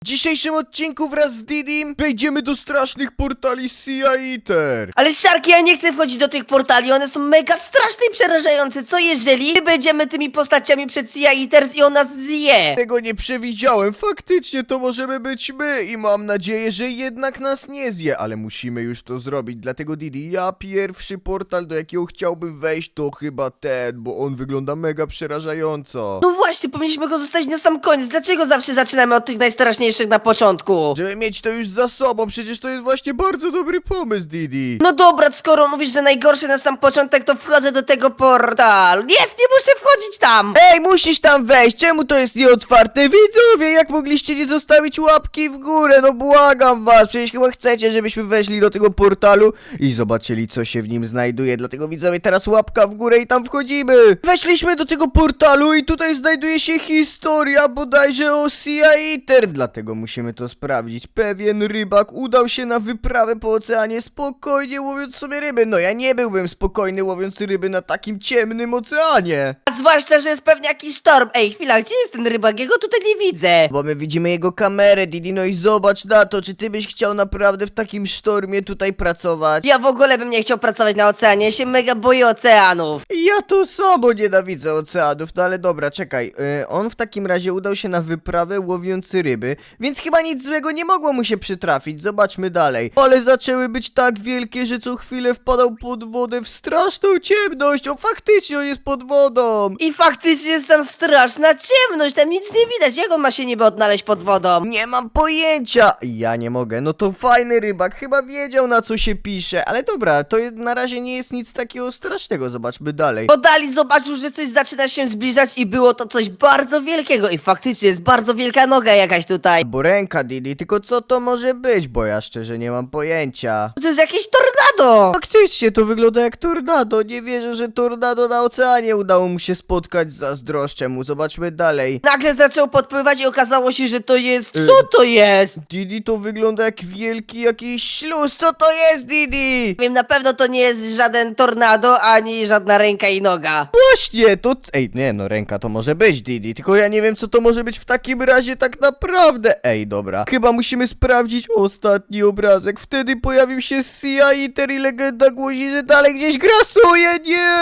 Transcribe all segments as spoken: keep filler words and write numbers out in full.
W dzisiejszym odcinku wraz z Didim wejdziemy do strasznych portali Sea Eater. Ale Szarki, ja nie chcę wchodzić do tych portali, one są mega straszne i przerażające. Co jeżeli my będziemy tymi postaciami przed Sea Eaters i on nas zje? Tego nie przewidziałem, faktycznie to możemy być my i mam nadzieję, że jednak nas nie zje, ale musimy już to zrobić, dlatego Didi, ja pierwszy portal, do jakiego chciałbym wejść, to chyba ten, bo on wygląda mega przerażająco. No właśnie, powinniśmy go zostawić na sam koniec. Dlaczego zawsze zaczynamy od tych najstraszniejszych na początku? Żeby mieć to już za sobą, przecież to jest właśnie bardzo dobry pomysł, Didi. No dobra, skoro mówisz, że najgorszy na sam początek, to wchodzę do tego portalu. Jest, nie muszę wchodzić tam! Ej, musisz tam wejść, czemu to jest nieotwarte? Widzowie, jak mogliście nie zostawić łapki w górę? No błagam was, przecież chyba chcecie, żebyśmy weszli do tego portalu i zobaczyli, co się w nim znajduje. Dlatego widzowie, teraz łapka w górę i tam wchodzimy. Weszliśmy do tego portalu i tutaj znajduje się historia bodajże o Sea Eater. Dlatego musimy to sprawdzić. Pewien rybak udał się na wyprawę po oceanie, spokojnie łowiąc sobie ryby. No ja nie byłbym spokojny łowiąc ryby na takim ciemnym oceanie. A zwłaszcza, że jest pewnie jakiś sztorm. Ej, chwila, gdzie jest ten rybak? Jego tutaj nie widzę. Bo my widzimy jego kamerę, Didi, no i zobacz na to, czy ty byś chciał naprawdę w takim sztormie tutaj pracować? Ja w ogóle bym nie chciał pracować na oceanie, ja się mega boję oceanów. Ja to samo nienawidzę oceanów, no ale dobra, czekaj, yy, on w takim razie udał się na wyprawę łowiąc ryby, więc chyba nic złego nie mogło mu się przytrafić, zobaczmy dalej. Ale zaczęły być tak wielkie, że co chwilę wpadał pod wodę w straszną ciemność, o faktycznie on jest pod wodą. I faktycznie jest tam straszna ciemność, tam nic nie widać, jak on ma się niby odnaleźć pod wodą? Nie mam pojęcia! Ja nie mogę, no to fajny rybak, chyba wiedział na co się pisze, ale dobra, to na razie nie jest nic takiego strasznego, zobaczmy dalej. Podali zobaczył, że coś zaczyna się zbliżać i było to coś bardzo wielkiego i faktycznie jest bardzo wielka noga jakaś tutaj. Bo ręka, Didi, tylko co to może być, bo ja szczerze nie mam pojęcia. To jest jakieś tornado! Faktycznie to wygląda jak tornado, nie wierzę, że tornado na oceanie udało mu się spotkać, zazdroszczę mu, zobaczmy dalej. Nagle zaczął podpływać i okazało się, że to jest... Y- Co to jest? Didi, to wygląda jak wielki jakiś śluz, co to jest, Didi? Wiem, na pewno to nie jest żaden tornado, ani żadna ręka i noga. Właśnie, to... Ej, nie no, ręka to może być, Didi, tylko ja nie wiem, co to może być w takim razie tak naprawdę. Ej, dobra, chyba musimy sprawdzić ostatni obrazek, wtedy pojawił się Sea Eater i legenda głosi, że dalej gdzieś grasuje, nie!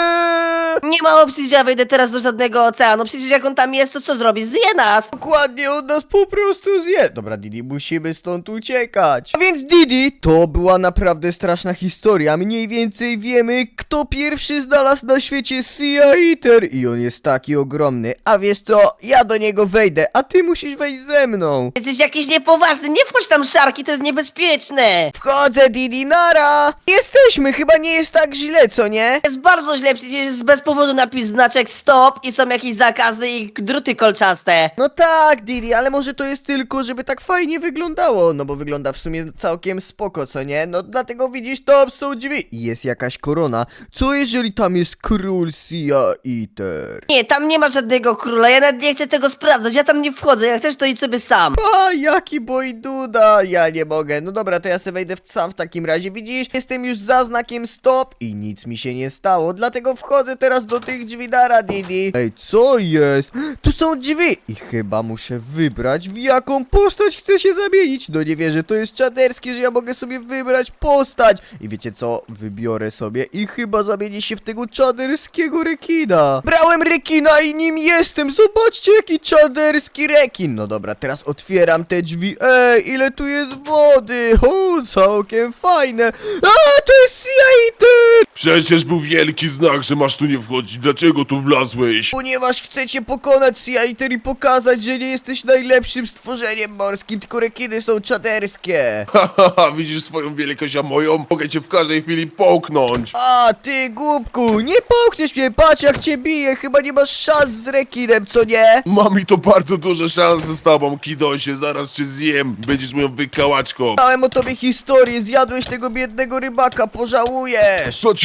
Nie ma opcji, że ja wejdę teraz do żadnego oceanu, przecież jak on tam jest, to co zrobi? Zje nas! Dokładnie, on nas po prostu zje. Dobra, Didi, musimy stąd uciekać. A więc, Didi, to była naprawdę straszna historia. Mniej więcej wiemy, kto pierwszy znalazł na świecie Sea Eater. I on jest taki ogromny. A wiesz co, ja do niego wejdę, a ty musisz wejść ze mną. Jesteś jakiś niepoważny, nie wchodź tam, Szarki, to jest niebezpieczne! Wchodzę, Didi, nara! Jesteśmy, chyba nie jest tak źle, co nie? Jest bardzo źle, przecież jest bez powodu napis znaczek stop i są jakieś zakazy i druty kolczaste. No tak, Didi, ale może to jest tylko, żeby tak fajnie wyglądało, no bo wygląda w sumie całkiem spoko, co nie? No dlatego widzisz, tam są drzwi i jest jakaś korona. Co jeżeli tam jest król Sea Eater? Nie, tam nie ma żadnego króla, ja nawet nie chcę tego sprawdzać, ja tam nie wchodzę, jak chcesz to idź sobie sam. A, jaki boj duda, ja nie mogę. No dobra, to ja sobie wejdę w sam w takim razie, widzisz? Jestem już za znakiem stop i nic mi się nie stało, dlatego wchodzę teraz do tych drzwi, dara, Didi. Ej, co jest? Tu są drzwi i chyba muszę wybrać, w jaką postać chcę się zamienić. No nie wierzę, to jest czaderskie, że ja mogę sobie wybrać postać. I wiecie co? Wybiorę sobie i chyba zamienię się w tego czaderskiego rekina. Brałem rekina i nim jestem, zobaczcie jaki czaderski rekin. No dobra, teraz otwieram te drzwi. Ej, ile tu jest wody. O, całkiem fajne. A, to jest Sea Eater. Przecież był wielki znak, że masz tu nie wchodzić. Dlaczego tu wlazłeś? Ponieważ chcecie pokonać Sea Eater i pokazać, że nie jesteś najlepszym stworzeniem morskim, tylko rekiny są czaderskie. Hahaha, widzisz swoją wielkość, a moją? Mogę cię w każdej chwili połknąć. A, ty głupku, nie połkniesz mnie, patrz jak cię bije, chyba nie masz szans z rekinem, co nie? Mam i to bardzo duże szanse z tobą, Kidosie. Zaraz cię zjem. Będziesz moją wykałaczką. Dałem o tobie historię, zjadłeś tego biednego rybaka, pożałujesz. Co ci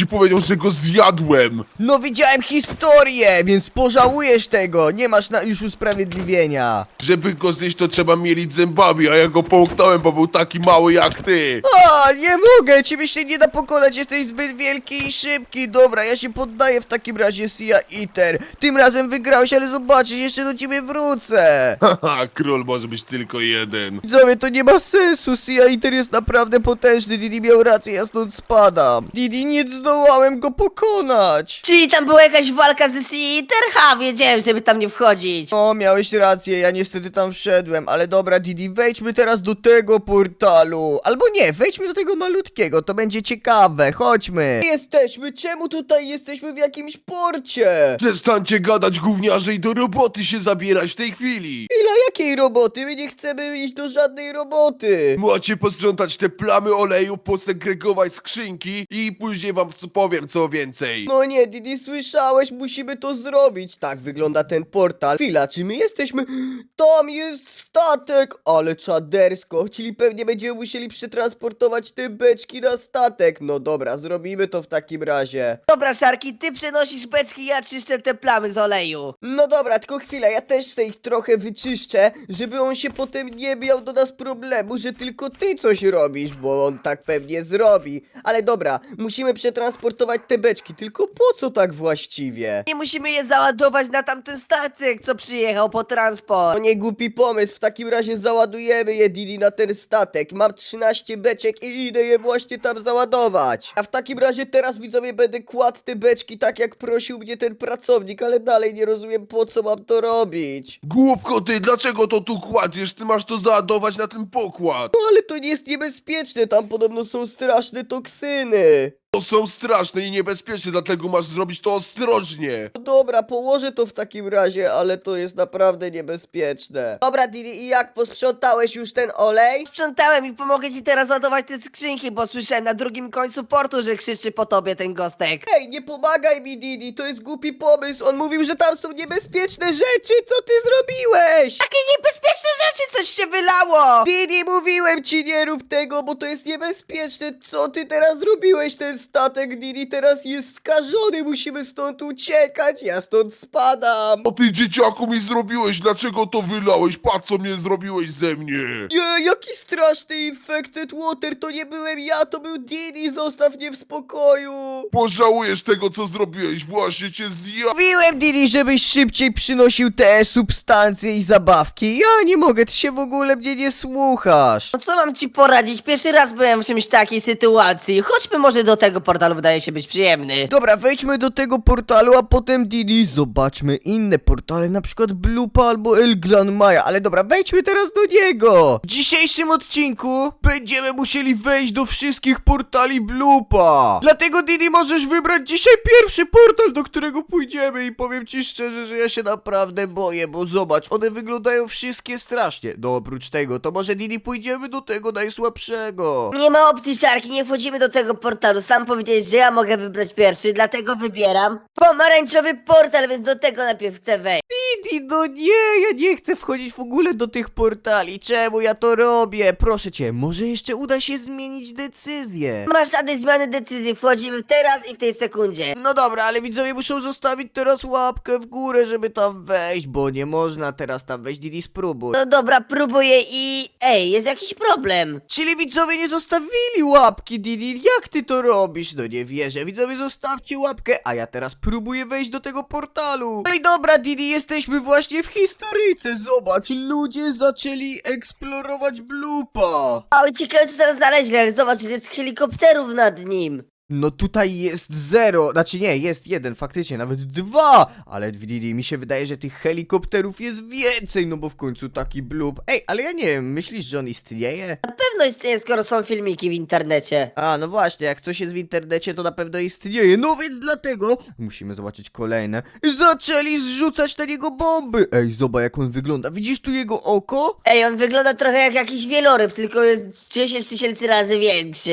ci powiedział, że go zjadłem. No widziałem historię, więc pożałujesz tego. Nie masz na już usprawiedliwienia. Żeby go zjeść, to trzeba mielić zębami, a ja go połknąłem, bo był taki mały jak ty. A, nie mogę, ciebie się nie da pokonać, jesteś zbyt wielki i szybki. Dobra, ja się poddaję w takim razie, Sia Eater. Tym razem wygrałeś, ale zobaczysz, jeszcze do ciebie wrócę. Haha, król może być tylko jeden. Widzowie, to nie ma sensu, Sia Eater jest naprawdę potężny, Didi miał rację, ja stąd spadam. Didi, nie zdołałem go pokonać. Czyli tam była jakaś walka ze Sea Eater? Ha, wiedziałem, żeby tam nie wchodzić. O, miałeś rację, ja niestety tam wszedłem, ale dobra, Didi, wejdźmy teraz do tego portalu. Albo nie, wejdźmy do tego malutkiego, to będzie ciekawe, chodźmy. Jesteśmy, czemu tutaj jesteśmy w jakimś porcie? Przestańcie gadać, gówniarze, i do roboty się zabierać w tej chwili. Ile jakiej roboty? My nie chcemy iść do żadnej roboty. Macie posprzątać te plamy oleju, posegregować skrzynki i później wam co powiem co więcej. No nie, Didi, słyszałeś, musimy to zrobić. Tak wygląda ten portal. Chwila, czy my jesteśmy... Tam jest statek, ale czadersko, czyli pewnie będziemy musieli przetransportować te beczki na statek. No dobra, zrobimy to w takim razie. Dobra, Szarki, ty przenosisz beczki, ja czyszczę te plamy z oleju. No dobra, tylko chwila, ja też sobie ich trochę wyczyszczę, żeby on się potem nie miał do nas problemu, że tylko ty coś robisz, bo on tak pewnie zrobi. Ale dobra, musimy przetransportować te beczki, tylko po co tak właściwie? Nie musimy je załadować na tamten statek, co przyjechał po transport. To nie głupi pomysł, w takim razie załadujemy je, Didi, na ten statek. Mam trzynaście beczek i idę je właśnie tam załadować. A w takim razie teraz, widzowie, będę kładł te beczki tak jak prosił mnie ten pracownik, ale dalej nie rozumiem, po co mam to robić. Głupko ty, dlaczego to tu kładziesz? Ty masz to załadować na ten pokład. No ale to nie jest niebezpieczne, tam podobno są straszne toksyny. To są straszne i niebezpieczne, dlatego masz zrobić to ostrożnie. No dobra, położę to w takim razie, ale to jest naprawdę niebezpieczne. Dobra, Didi, i jak, posprzątałeś już ten olej? Sprzątałem i pomogę ci teraz ładować te skrzynki, bo słyszałem na drugim końcu portu, że krzyczy po tobie ten gostek. Ej, nie pomagaj mi, Didi, to jest głupi pomysł. On mówił, że tam są niebezpieczne rzeczy, co ty zrobiłeś? Takie niebezpieczne rzeczy, coś się wylało! Didi, mówiłem ci, nie rób tego, bo to jest niebezpieczne. Co ty teraz zrobiłeś? Ten statek, Didi, teraz jest skażony, musimy stąd uciekać, ja stąd spadam. O ty dzieciaku mi zrobiłeś, dlaczego to wylałeś? Patrz co mnie zrobiłeś ze mnie. Nie, jaki straszny infected water, to nie byłem ja, to był Didi, zostaw mnie w spokoju. Pożałujesz tego co zrobiłeś, właśnie cię zja... Mówiłem, Didi, żebyś szybciej przynosił te substancje i zabawki. Ja nie mogę, ty się w ogóle mnie nie słuchasz. No co mam ci poradzić? Pierwszy raz byłem w czymś takiej sytuacji. Chodźmy może do tego portalu, wydaje się być przyjemny. Dobra, wejdźmy do tego portalu, a potem Didi, zobaczmy inne portale, na przykład Blupa albo El Gran Maja, ale dobra, wejdźmy teraz do niego. W dzisiejszym odcinku będziemy musieli wejść do wszystkich portali Blupa. Dlatego, Didi, możesz wybrać dzisiaj pierwszy portal, do którego pójdziemy i powiem ci szczerze, że ja się naprawdę boję, bo zobacz, one wyglądają wszystkie strasznie. No oprócz tego, to może, Didi, pójdziemy do tego najsłabszego. Nie ma opcji, Szarki, nie wchodzimy do tego portalu. Sam powiedziałeś, że ja mogę wybrać pierwszy, dlatego wybieram pomarańczowy portal, więc do tego najpierw chcę wejść. Didi, no nie, ja nie chcę wchodzić w ogóle do tych portali. Czemu ja to robię? Proszę cię, może jeszcze uda się zmienić decyzję. Nie masz żadnej zmiany decyzji, wchodzimy teraz i w tej sekundzie. No dobra, ale widzowie muszą zostawić teraz łapkę w górę, żeby tam wejść, bo nie można teraz tam wejść. Didi, spróbuj. No dobra, próbuję i... Ej, jest jakiś problem. Czyli widzowie nie zostawili łapki, Didi, jak ty to robisz? No nie wierzę, widzowie zostawcie łapkę, a ja teraz próbuję wejść do tego portalu. No i dobra, Didi, jesteśmy właśnie w historyjce, zobacz, ludzie zaczęli eksplorować Blupa. O, ciekawe co teraz znaleźli, ale zobacz, ile jest helikopterów nad nim. No tutaj jest zero, znaczy nie, jest jeden, faktycznie, nawet dwa, ale Didi, mi się wydaje, że tych helikopterów jest więcej, no bo w końcu taki blub. Ej, ale ja nie wiem, myślisz, że on istnieje? Na pewno istnieje, skoro są filmiki w internecie. A, no właśnie, jak coś jest w internecie, to na pewno istnieje, no więc dlatego musimy zobaczyć kolejne. Zaczęli zrzucać na niego bomby. Ej, zobacz jak on wygląda, widzisz tu jego oko? Ej, on wygląda trochę jak jakiś wieloryb, tylko jest dziesięć tysięcy razy większy.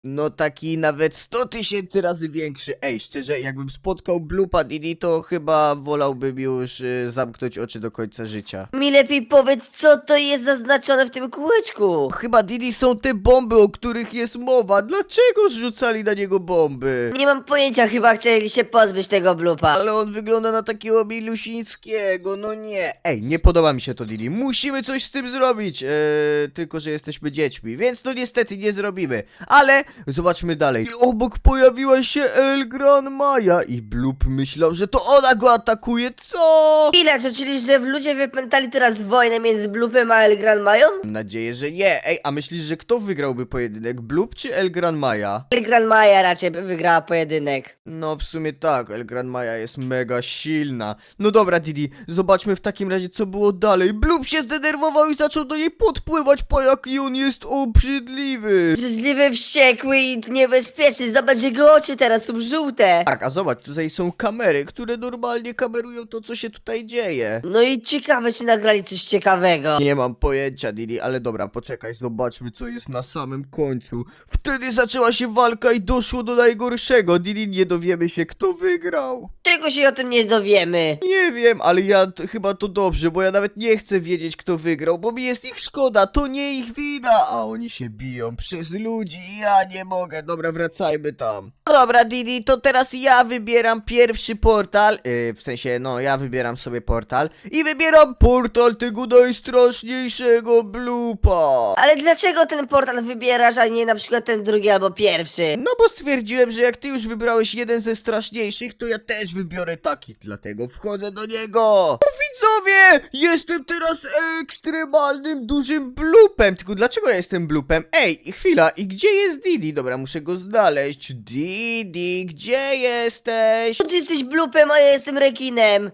no taki nawet sto tysięcy razy większy. Ej, szczerze, jakbym spotkał Bloopa Didi, to chyba wolałbym już y, zamknąć oczy do końca życia. Mi lepiej powiedz, co to jest zaznaczone w tym kółeczku. Chyba Didi są te bomby, o których jest mowa. Dlaczego zrzucali na niego bomby? Nie mam pojęcia, chyba chcieli się pozbyć tego Bloopa. Ale on wygląda na takiego milusińskiego, no nie. Ej, nie podoba mi się to, Didi. Musimy coś z tym zrobić. Eee, tylko, że jesteśmy dziećmi, więc no niestety nie zrobimy. Ale zobaczmy dalej. I obok pojawiła się El Gran Maja i Bloop myślał, że to ona go atakuje. Co? Ile to, czyli że ludzie wypętali teraz wojnę między Bloopem a El Gran Mają? Mam nadzieję, że nie. Ej, a myślisz, że kto wygrałby pojedynek? Bloop czy El Gran Maja? El Gran Maja raczej by wygrała pojedynek. No w sumie tak, El Gran Maja jest mega silna. No dobra, Didi, zobaczmy w takim razie co było dalej. Bloop się zdenerwował i zaczął do niej podpływać, po jaki on jest obrzydliwy. Brzydliwy, wściekły i niebezpieczny. Zobacz, jego oczy teraz są żółte. Tak, a zobacz, tutaj są kamery, które normalnie kamerują to, co się tutaj dzieje. No i ciekawe, czy nagrali coś ciekawego. Nie mam pojęcia, Didi, ale dobra, poczekaj, zobaczmy, co jest na samym końcu. Wtedy zaczęła się walka i doszło do najgorszego. Didi, nie dowiemy się, kto wygrał. Czego się o tym nie dowiemy? Nie wiem, ale ja t- chyba to dobrze, bo ja nawet nie chcę wiedzieć, kto wygrał, bo mi jest ich szkoda, to nie ich wina, a oni się biją przez ludzi i ja nie mogę. Dobra, wracajmy tam. Dobra, Didi, to teraz ja wybieram pierwszy portal, yy, w sensie, no, ja wybieram sobie portal i wybieram portal tego najstraszniejszego Bloopa. Ale dlaczego ten portal wybierasz, a nie na przykład ten drugi albo pierwszy? No bo stwierdziłem, że jak ty już wybrałeś jeden ze straszniejszych, to ja też wybiorę taki, dlatego wchodzę do niego. O, widzowie, jestem teraz ekstremalnym dużym Bloopem. Tylko dlaczego ja jestem Bloopem? Ej, chwila, i gdzie jest Didi? Dobra, muszę go znaleźć. Didi, gdzie jesteś? Ty jesteś Bloopem, a ja jestem rekinem.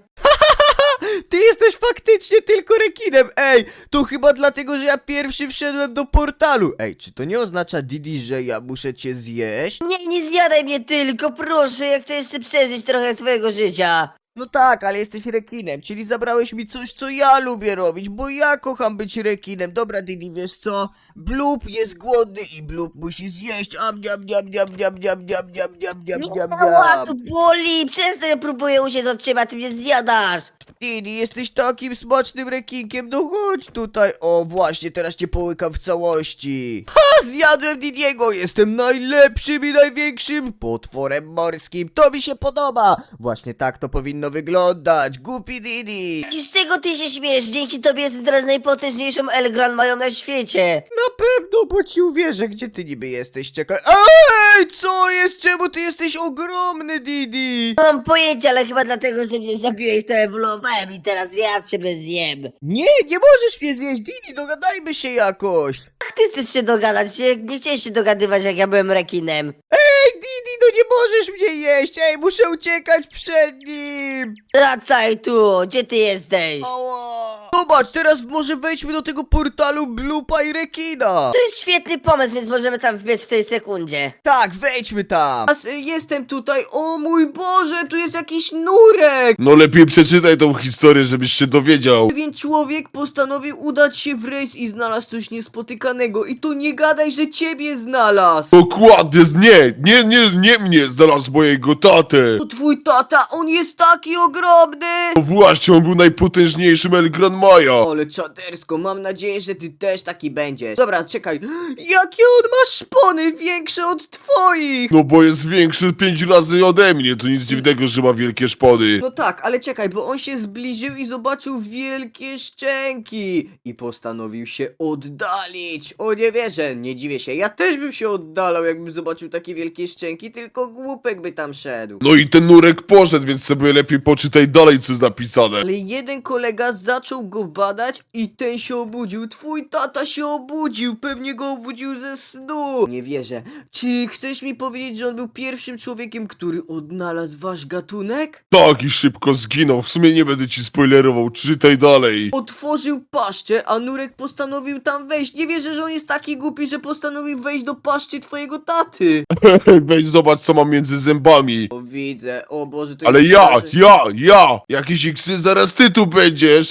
Ty jesteś faktycznie tylko rekinem. Ej, to chyba dlatego, że ja pierwszy wszedłem do portalu. Ej, czy to nie oznacza, Didi, że ja muszę cię zjeść? Nie, nie zjadaj mnie tylko, proszę, ja chcę jeszcze przeżyć trochę swojego życia. No tak, ale jesteś rekinem, czyli zabrałeś mi coś, co ja lubię robić, bo ja kocham być rekinem. Dobra, Didi, wiesz co? Bloop jest głodny i Bloop musi zjeść. Am, niam, niam, niam, niam, niam, niam, niam, niam, niam, niam, Ała, to niam. boli, przestań, próbuję uciec od ciebie, a ty mnie zjadasz. Didi, jesteś takim smacznym rekinkiem, no chodź tutaj. O, właśnie, teraz cię połykam w całości. Ha, zjadłem Didiego, jestem najlepszym i największym potworem morskim. To mi się podoba. Właśnie tak to powinno wyglądać, głupi Didi. I z czego ty się śmiesz? Dzięki tobie jestem teraz najpotężniejszą El Gran Mają na świecie. Na pewno, bo ci uwierzę, gdzie ty niby jesteś, czekaj. Ej, co jest? Czemu ty jesteś ogromny, Didi? Nie mam pojęcia, ale chyba dlatego, że mnie zabiłeś, to ewoluowałem i teraz ja ciebie zjem. Nie, nie możesz mnie zjeść, Didi, dogadajmy się jakoś. Jak ty chcesz się dogadać? Nie, nie chciałeś się dogadywać, jak ja byłem rekinem. Ej, Didi, no nie możesz mnie jeść, ej, muszę uciekać przed nim. Wracaj tu, gdzie ty jesteś? Ała. Zobacz, teraz może wejdźmy do tego portalu Bloopa i rekina. To jest świetny pomysł, więc możemy tam wbiec w tej sekundzie. Tak, wejdźmy tam. Teraz, y, Jestem tutaj, o mój Boże, tu jest jakiś nurek. No lepiej przeczytaj tą historię, żebyś się dowiedział. Pewien człowiek postanowił udać się w rejs i znalazł coś niespotykanego. I to nie gadaj, że ciebie znalazł. Dokładnie, nie, nie, nie, nie mnie znalazł mojego tatę. To twój tata, on jest taki ogromny. No właśnie, on był najpotężniejszym El Gran Maja. Ale czadersko, mam nadzieję, że ty też taki będziesz. Dobra, czekaj. Jakie on ma szpony większe od twoich. No bo jest większy pięć razy ode mnie, to nic dziwnego, że ma wielkie szpony. No tak, ale czekaj, bo on się zbliżył i zobaczył wielkie szczęki i postanowił się oddalić. O, nie wierzę, nie dziwię się. Ja też bym się oddalał, jakbym zobaczył takie wielkie szczęki, tylko głupek by tam szedł. No i ten nurek poszedł, więc sobie lepiej poczytaj dalej, co jest napisane. Ale jeden kolega zaczął go badać i ten się obudził. Twój tata się obudził, pewnie go obudził ze snu. Nie wierzę. Czy chcesz mi powiedzieć, że on był pierwszym człowiekiem, który odnalazł wasz gatunek? Tak, i szybko zginął, w sumie nie będę ci spoilerował, czytaj dalej. Otworzył paszczę, a Nurek postanowił tam wejść. Nie wierzę, że on jest taki głupi, że postanowił wejść do paszczy twojego taty. Weź zobacz, co mam między zębami. O, widzę. O Boże, to Ale jest ja, straszne. ja, ja, jakiś iksy, zaraz ty tu będziesz. Żartuję,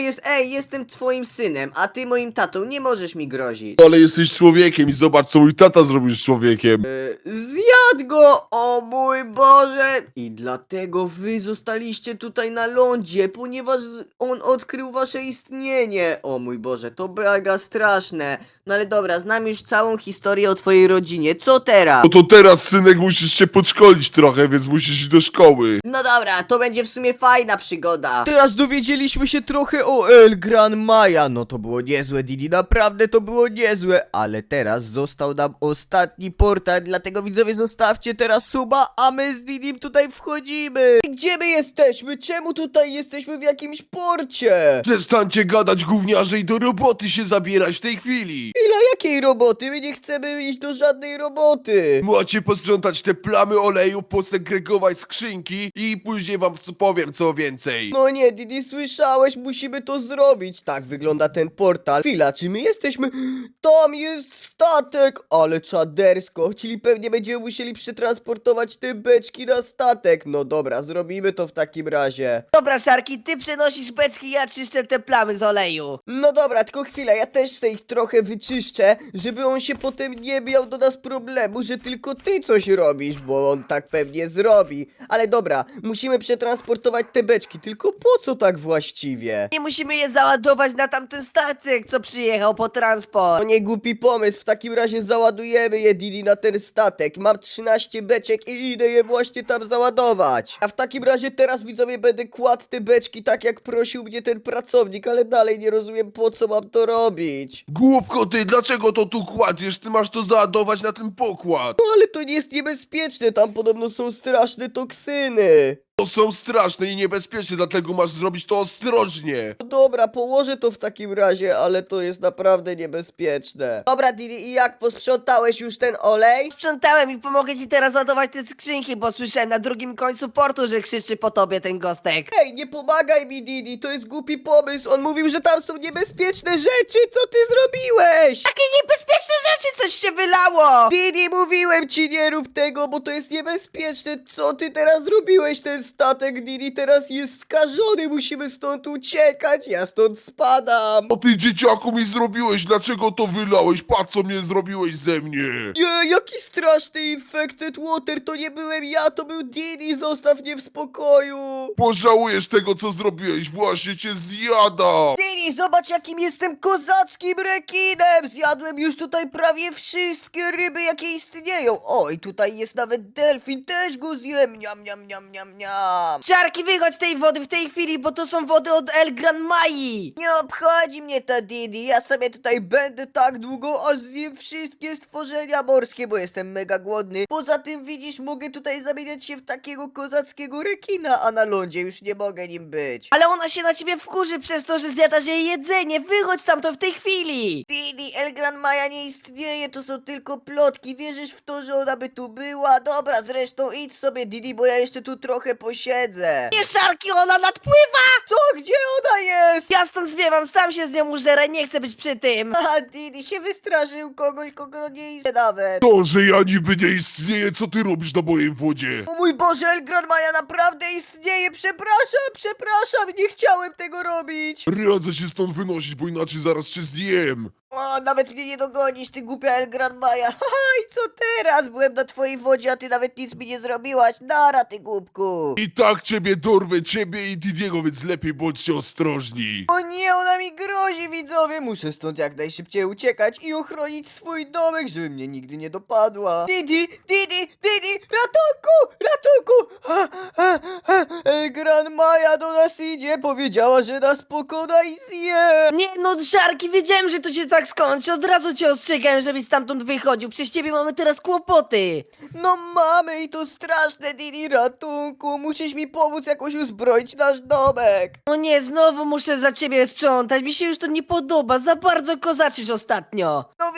jest, ej, jestem twoim synem, a ty moim tatą, nie możesz mi grozić. Ale jesteś człowiekiem i zobacz, co mój tata zrobił z człowiekiem. Zjadł go! O mój Boże! I dlatego wy zostaliście tutaj na lądzie, ponieważ on odkrył wasze istnienie. O mój Boże, to mega straszne. No ale dobra, znam już całą historię o twojej rodzinie. Co teraz? No to teraz, synek, musisz się podszkolić trochę, więc musisz iść do szkoły. No dobra, to będzie w sumie fajna przygoda. Teraz dowiedzieliśmy się trochę o El Gran Maja. No to było niezłe, Didi, naprawdę to było niezłe. Ale teraz został nam ostatni portal, dlatego widzowie zostawcie teraz suba, a my z Didim tutaj wchodzimy. Gdzie my jesteśmy? Czemu tutaj jesteśmy w jakimś porcie? Przestańcie gadać, gówniarze, i do roboty się zabierać w tej chwili. Ile jakiej roboty? My nie chcemy iść do żadnej roboty. Macie posprzątać te plamy oleju, posegregować skrzynki i później wam co powiem, co więcej. No nie, Didi, słyszałeś, musimy to zrobić. Tak wygląda ten portal. Chwila, czy my jesteśmy... Tam jest statek, ale czadersko, czyli pewnie będziemy musieli przetransportować te beczki na statek. No dobra, zrobimy to w takim razie. Dobra, Szarki, ty przenosisz beczki, ja czyszczę te plamy z oleju. No dobra, tylko chwila, ja też sobie ich trochę wyczyszczę, żeby on się potem nie miał do nas problemu, że tylko ty coś robisz, bo on tak pewnie zrobi. Ale dobra, musimy przetransportować te beczki, tylko po co tak właściwie? Nie musimy je załadować na tamten statek, co przyjechał po transport. To nie głupi pomysł, w takim razie załadujemy je, Didi, na ten statek. Mam trzynaście beczek i idę je właśnie tam załadować. A w takim razie teraz, widzowie, będę kładł te beczki tak jak prosił mnie ten pracownik, ale dalej nie rozumiem, po co mam to robić. Głupko ty, dlaczego to tu kładziesz? Ty masz to załadować na ten pokład. No ale to nie jest niebezpieczne, tam podobno są straszne toksyny. To są straszne i niebezpieczne, dlatego masz zrobić to ostrożnie. No dobra, położę to w takim razie, ale to jest naprawdę niebezpieczne. Dobra, Didi, i jak, posprzątałeś już ten olej? Sprzątałem i pomogę ci teraz ładować te skrzynki, bo słyszałem na drugim końcu portu, że krzyczy po tobie ten gostek. Ej, nie pomagaj mi, Didi, to jest głupi pomysł. On mówił, że tam są niebezpieczne rzeczy, co ty zrobiłeś? Takie niebezpieczne rzeczy, coś się wylało! Didi, mówiłem ci, nie rób tego, bo to jest niebezpieczne. Co ty teraz zrobiłeś? Ten statek, Didi, teraz jest skażony, musimy stąd uciekać, ja stąd spadam. O ty, dzieciaku, mi zrobiłeś, dlaczego to wylałeś? Patrz, co mnie zrobiłeś ze mnie. Nie, jaki straszny infected water, to nie byłem ja, to był Didi, zostaw mnie w spokoju. Pożałujesz tego, co zrobiłeś, właśnie cię zjada. Didi, zobacz, jakim jestem kozackim rekinem, zjadłem już tutaj prawie wszystkie ryby, jakie istnieją. Oj, tutaj jest nawet delfin, też go zjem, niam, niam, niam, niam, niam. Szarki, wychodź z tej wody w tej chwili, bo to są wody od El Gran Mai! Nie obchodzi mnie to, Didi, ja sobie tutaj będę tak długo, aż zjem wszystkie stworzenia morskie, bo jestem mega głodny. Poza tym, widzisz, mogę tutaj zamieniać się w takiego kozackiego rekina, a na lądzie już nie mogę nim być. Ale ona się na ciebie wkurzy przez to, że zjadasz jej jedzenie, wychodź stamtąd w tej chwili! Didi, El Gran Maja nie istnieje, to są tylko plotki, wierzysz w to, że ona by tu była? Dobra, zresztą idź sobie, Didi, bo ja jeszcze tu trochę posiedzę. Nie, Szarki, ona nadpływa! Co? Gdzie ona jest? Ja stąd zwiewam, sam się z nią użerę, nie chcę być przy tym! A, Didi się wystraszył kogoś, kogo nie istnieje nawet. To, że ja niby nie istnieję, co ty robisz na mojej wodzie? O mój Boże, El Gran Maja naprawdę istnieje, przepraszam, przepraszam, nie chciałem tego robić. Radzę się stąd wynosić, bo inaczej zaraz cię zjem. O, nawet mnie nie dogonisz, ty głupia El Gran Maja. Haha, i co teraz? Byłem na twojej wodzie, a ty nawet nic mi nie zrobiłaś. Nara, ty głupku. I tak ciebie dorwę, ciebie i Didiego, więc lepiej bądźcie ostrożni. O nie, ona mi grozi, widzowie. Muszę stąd jak najszybciej uciekać i ochronić swój domek, żeby mnie nigdy nie dopadła. Didi, Didi, Didi, ratunku, ratunku. Ha, ha, ha. El Gran Maja do nas idzie, powiedziała, że nas pokona i zje. Nie, no Szarki, wiedziałem, że to się tak skończy, od razu cię ostrzegałem, żebyś stamtąd wychodził, przez ciebie mamy teraz kłopoty! No mamy i to straszne, Didi, ratunku. Musisz mi pomóc jakoś uzbroić nasz domek. No nie, znowu muszę za ciebie sprzątać, mi się już to nie podoba, za bardzo kozaczysz ostatnio! No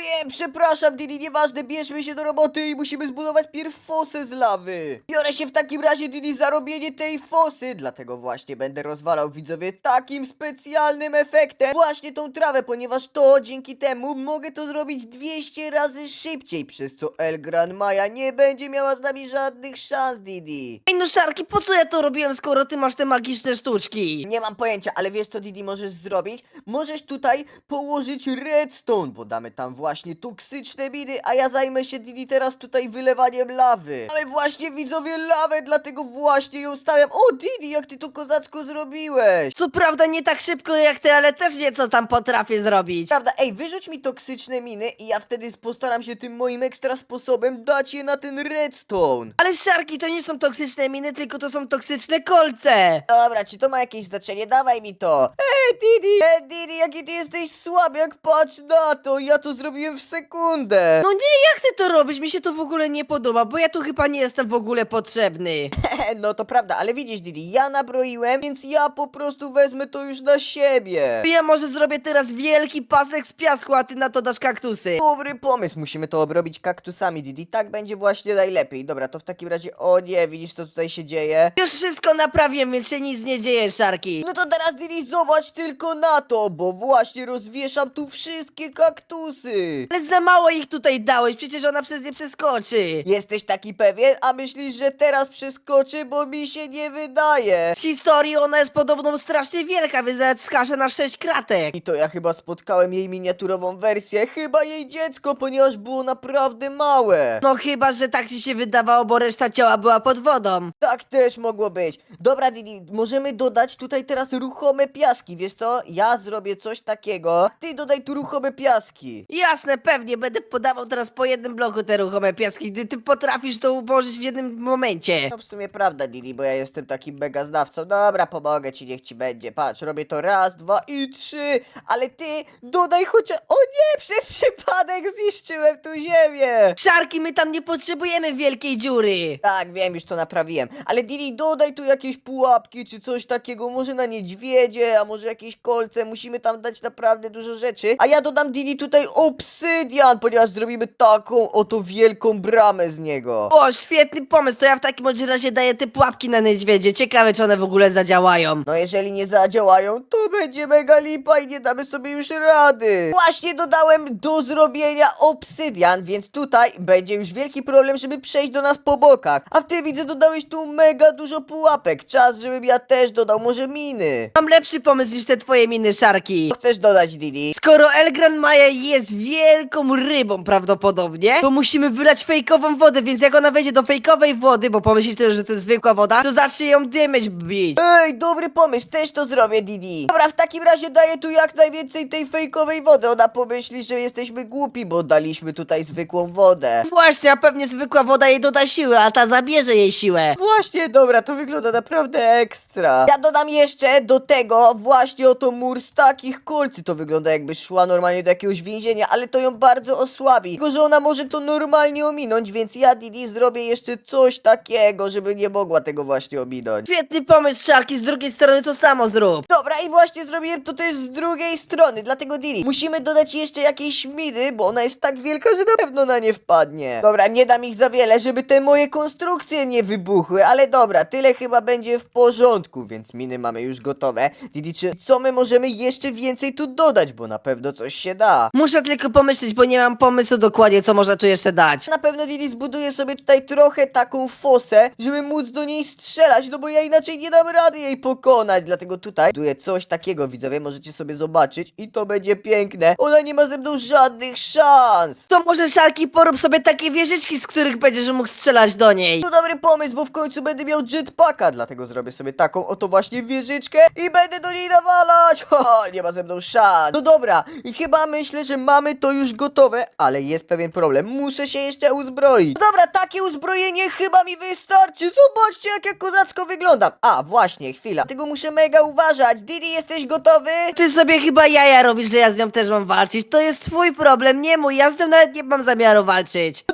wiem, przepraszam, Didi, nieważne, bierzmy się do roboty i musimy zbudować pierw fosę z lawy. Biorę się w takim razie, Didi, za robienie tej fosy, dlatego właśnie będę rozwalał, widzowie, takim specjalnym efektem właśnie tą trawę, ponieważ to dzięki temu mogę to zrobić dwieście razy szybciej, przez co El Gran Maja nie będzie miała z nami żadnych szans, Didi. Ej no Szarki, po co ja to robiłem, skoro ty masz te magiczne sztuczki? Nie mam pojęcia, ale wiesz co, Didi, możesz zrobić? Możesz tutaj położyć redstone, bo damy tam właśnie toksyczne miny, a ja zajmę się, Didi, teraz tutaj wylewaniem lawy. Ale właśnie, widzowie, lawę, dlatego właśnie ją stawiam. O, Didi, jak ty to kozacko zrobiłeś. Co prawda nie tak szybko jak ty, ale też nieco tam potrafię zrobić. Prawda, ej, wyrzuć mi toksyczne miny i ja wtedy postaram się tym moim ekstra sposobem dać je na ten redstone. Ale Szarki, to nie są toksyczne miny, tylko to są toksyczne kolce. Dobra, czy to ma jakieś znaczenie? Dawaj mi to. Ej, Didi, ej, Didi, jaki ty jesteś słaby, jak patrz na to, ja to zrobiłem w sekundę. No nie, jak ty to robisz? Mi się to w ogóle nie podoba, bo ja tu chyba nie jestem w ogóle potrzebny. No to prawda, ale widzisz, Didi, ja nabroiłem, więc ja po prostu wezmę to już na siebie. Ja może zrobię teraz wielki pasek z piasku, a ty na to dasz kaktusy. Dobry pomysł, musimy to obrobić kaktusami, Didi, tak będzie właśnie najlepiej. Dobra, to w takim razie, o nie, widzisz co tutaj się dzieje? Już wszystko naprawiłem, więc się nic nie dzieje, Szarki. No to teraz, Didi, zobacz tylko na to, bo właśnie rozwieszam tu wszystkie kaktusy. Ale za mało ich tutaj dałeś, przecież ona przez nie przeskoczy. Jesteś taki pewien? A myślisz, że teraz przeskoczy, bo mi się nie wydaje. Z historii ona jest podobno strasznie wielka, więc nawet skaże na sześć kratek. I to ja chyba spotkałem jej miniaturową wersję, chyba jej dziecko, ponieważ było naprawdę małe. No chyba, że tak ci się wydawało, bo reszta ciała była pod wodą. Tak też mogło być. Dobra, Didi, możemy dodać tutaj teraz ruchome piaski, wiesz co? Ja zrobię coś takiego, ty dodaj tu ruchome piaski. Jasne, pewnie, będę podawał teraz po jednym bloku te ruchome piaski, gdy ty potrafisz to ułożyć w jednym momencie. No w sumie prawda, Didi, bo ja jestem takim mega znawcą. Dobra, pomogę ci, niech ci będzie. Patrz, robię to raz, dwa i trzy. Ale ty dodaj chociaż... O nie, przez przypadek zniszczyłem tu ziemię. Szarki, my tam nie potrzebujemy wielkiej dziury. Tak, wiem, już to naprawiłem. Ale Didi, dodaj tu jakieś pułapki czy coś takiego. Może na niedźwiedzie, a może jakieś kolce. Musimy tam dać naprawdę dużo rzeczy. A ja dodam, Didi, tutaj obsydian, ponieważ zrobimy taką oto wielką bramę z niego. O, świetny pomysł, to ja w takim bądź razie daję te pułapki na niedźwiedzie. Ciekawe, czy one w ogóle zadziałają. No jeżeli nie zadziałają, to będzie mega lipa i nie damy sobie już rady. Właśnie dodałem do zrobienia obsydian, więc tutaj będzie już wielki problem, żeby przejść do nas po bokach. A ty, widzę, dodałeś tu mega dużo pułapek. Czas, żebym ja też dodał może miny. Mam lepszy pomysł niż te twoje miny, Szarki. Co chcesz dodać, Didi? Skoro El Gran Maja jest wielką rybą prawdopodobnie, to musimy wylać fejkową wodę, więc jak ona wejdzie do fejkowej wody, bo pomyślicie, że to jest zwykła woda, to zacznie ją dymeć bić. Ej, dobry pomysł, też to zrobię, Didi. Dobra, w takim razie daję tu jak najwięcej tej fejkowej wody. Ona pomyśli, że jesteśmy głupi, bo daliśmy tutaj zwykłą wodę. Właśnie, a pewnie zwykła woda jej doda siły, a ta zabierze jej siłę. Właśnie, dobra, to wygląda naprawdę ekstra. Ja dodam jeszcze do tego właśnie oto mur z takich kolcy. To wygląda jakby szła normalnie do jakiegoś więzienia, ale to ją bardzo osłabi. Tylko, że ona może to normalnie ominąć, więc ja, Didi, zrobię jeszcze coś takiego, żeby nie mogła tego właśnie ominąć. Świetny pomysł, Szarki, z drugiej strony to samo zrób. Dobra, i właśnie zrobiłem to też z drugiej strony, dlatego Didi, musimy dodać jeszcze jakieś miny, bo ona jest tak wielka, że na pewno na nie wpadnie. Dobra, nie dam ich za wiele, żeby te moje konstrukcje nie wybuchły, ale dobra, tyle chyba będzie w porządku, więc miny mamy już gotowe. Didi, czy co my możemy jeszcze więcej tu dodać, bo na pewno coś się da. Muszę tylko pomyśleć, bo nie mam pomysłu dokładnie, co można tu jeszcze dać. Na pewno Didi zbuduje sobie tutaj trochę taką fosę, żeby móc do niej strzelać, no bo ja inaczej nie dam rady jej pokonać, dlatego tutaj buduję coś takiego, widzowie, możecie sobie zobaczyć i to będzie piękne. Ona nie ma ze mną żadnych szans. To może, Szarki, porób sobie takie wieżyczki, z których będziesz mógł strzelać do niej. To dobry pomysł, bo w końcu będę miał jetpacka, dlatego zrobię sobie taką oto właśnie wieżyczkę i będę do niej nawalać. Ho, nie ma ze mną szans. No dobra, i chyba myślę, że mamy to już gotowe, ale jest pewien problem, muszę się jeszcze uzbroić. No dobra, takie uzbrojenie chyba mi wystarczy, zobaczcie jak ja kozacko wyglądam. A, właśnie, chwila, tego muszę mega uważać. Didi, jesteś gotowy? Ty sobie chyba jaja robisz, że ja z nią też mam walczyć. To jest twój problem, nie mój. Ja z tym nawet nie mam zamiaru walczyć. No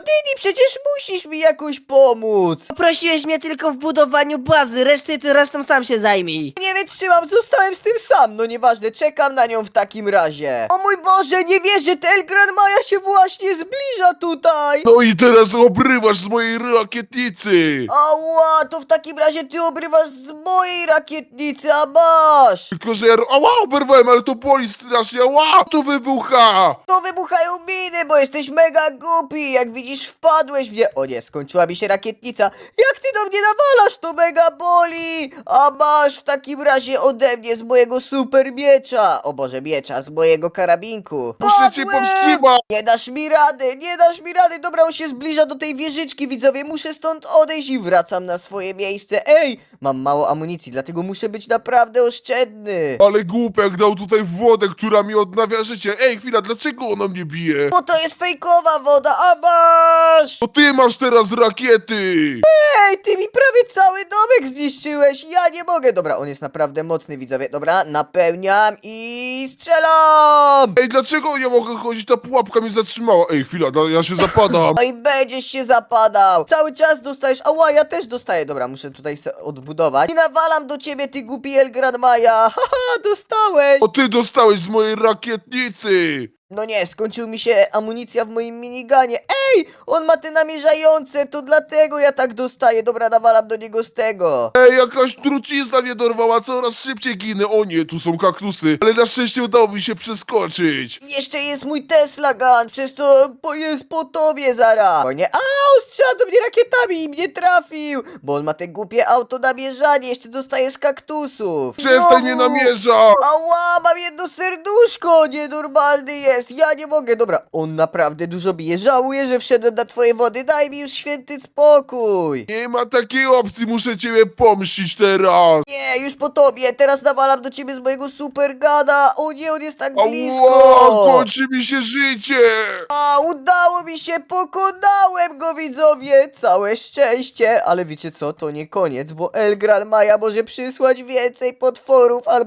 Didi, przecież musisz mi jakoś pomóc. Poprosiłeś mnie tylko w budowaniu bazy, reszty ty resztą sam się zajmij. Nie wytrzymam, zostałem z tym sam. No nieważne, czekam na nią w takim razie. O mój Boże, nie wierzę, ten Gran Maja się właśnie zbliża tutaj. No i teraz obrywasz z mojej rakietnicy! Ała, to w takim razie ty obrywasz z mojej rakietnicy, a masz. Tylko, że ja... Ała, oberwałem, ale to boli strasznie, ała! To wybucha! To wybuchają miny, bo jesteś mega głupi. Jak widzisz, wpadłeś w nie... O nie, skończyła mi się rakietnica. Jak ty do mnie nawalasz, to mega boli. A masz w takim razie ode mnie z mojego super miecza. O Boże, miecza, z mojego karabinku. Muszę cię Padłem! powstrzymać! Nie dasz mi rady, nie dasz mi rady. Dobra, on się zbliża do tej wieżyczki, widzowie. Muszę stąd odejść i wracam na swoje miejsce. Ej, mam mało amunicji, dlatego muszę być naprawdę oszczędny. Ale głupek dał tutaj wodę, która mi odnawia życie. Ej, chwila, dlaczego ona mnie bije? Bo to jest fejkowa woda, a masz! To ty masz teraz rakiety! Ej, ty mi prawie cały domek zniszczyłeś. Ja nie mogę. Dobra, on jest naprawdę mocny, widzowie. Dobra, napełniam i strzelam. Ej, dlaczego nie mogę chodzić? Ta pułapka mnie zatrzymała. Ej, chwila, da- ja się zapadam. No i będziesz się zapadał. Cały czas dostajesz. Ała, ja też dostaję. Dobra, muszę tutaj se odbudować. I nawalam do ciebie, ty głupi El Gran Maja. Haha, dostałeś. O, ty dostałeś z mojej rakietnicy! No nie, skończył mi się amunicja w moim miniganie. Ej, on ma te namierzające, to dlatego ja tak dostaję. Dobra, nawalam do niego z tego. Ej, jakaś trucizna mnie dorwała, coraz szybciej ginę. O nie, tu są kaktusy. Ale na szczęście udało mi się przeskoczyć. I jeszcze jest mój Tesla Gun, przez to po, jest po tobie zaraz. O nie, au, strzela do mnie rakietami i mnie trafił. Bo on ma te głupie auto namierzanie, jeszcze dostaje z kaktusów. Przestań Znowu. mnie namierzać! Ała, mam jedno serduszko, nienormalny jest, ja nie mogę. Dobra, on naprawdę dużo bije, żałuję, że wszedłem na twoje wody, daj mi już święty spokój. Nie ma takiej opcji, muszę ciebie pomścić teraz. Nie, już po tobie, teraz nawalam do ciebie z mojego super gada. O nie, on jest tak Ała, blisko. kończy mi się życie. A, udało mi się, pokonałem go, widzowie! Całe szczęście! Ale wiecie co, to nie koniec, bo El Gran Maja może przysłać więcej potworów albo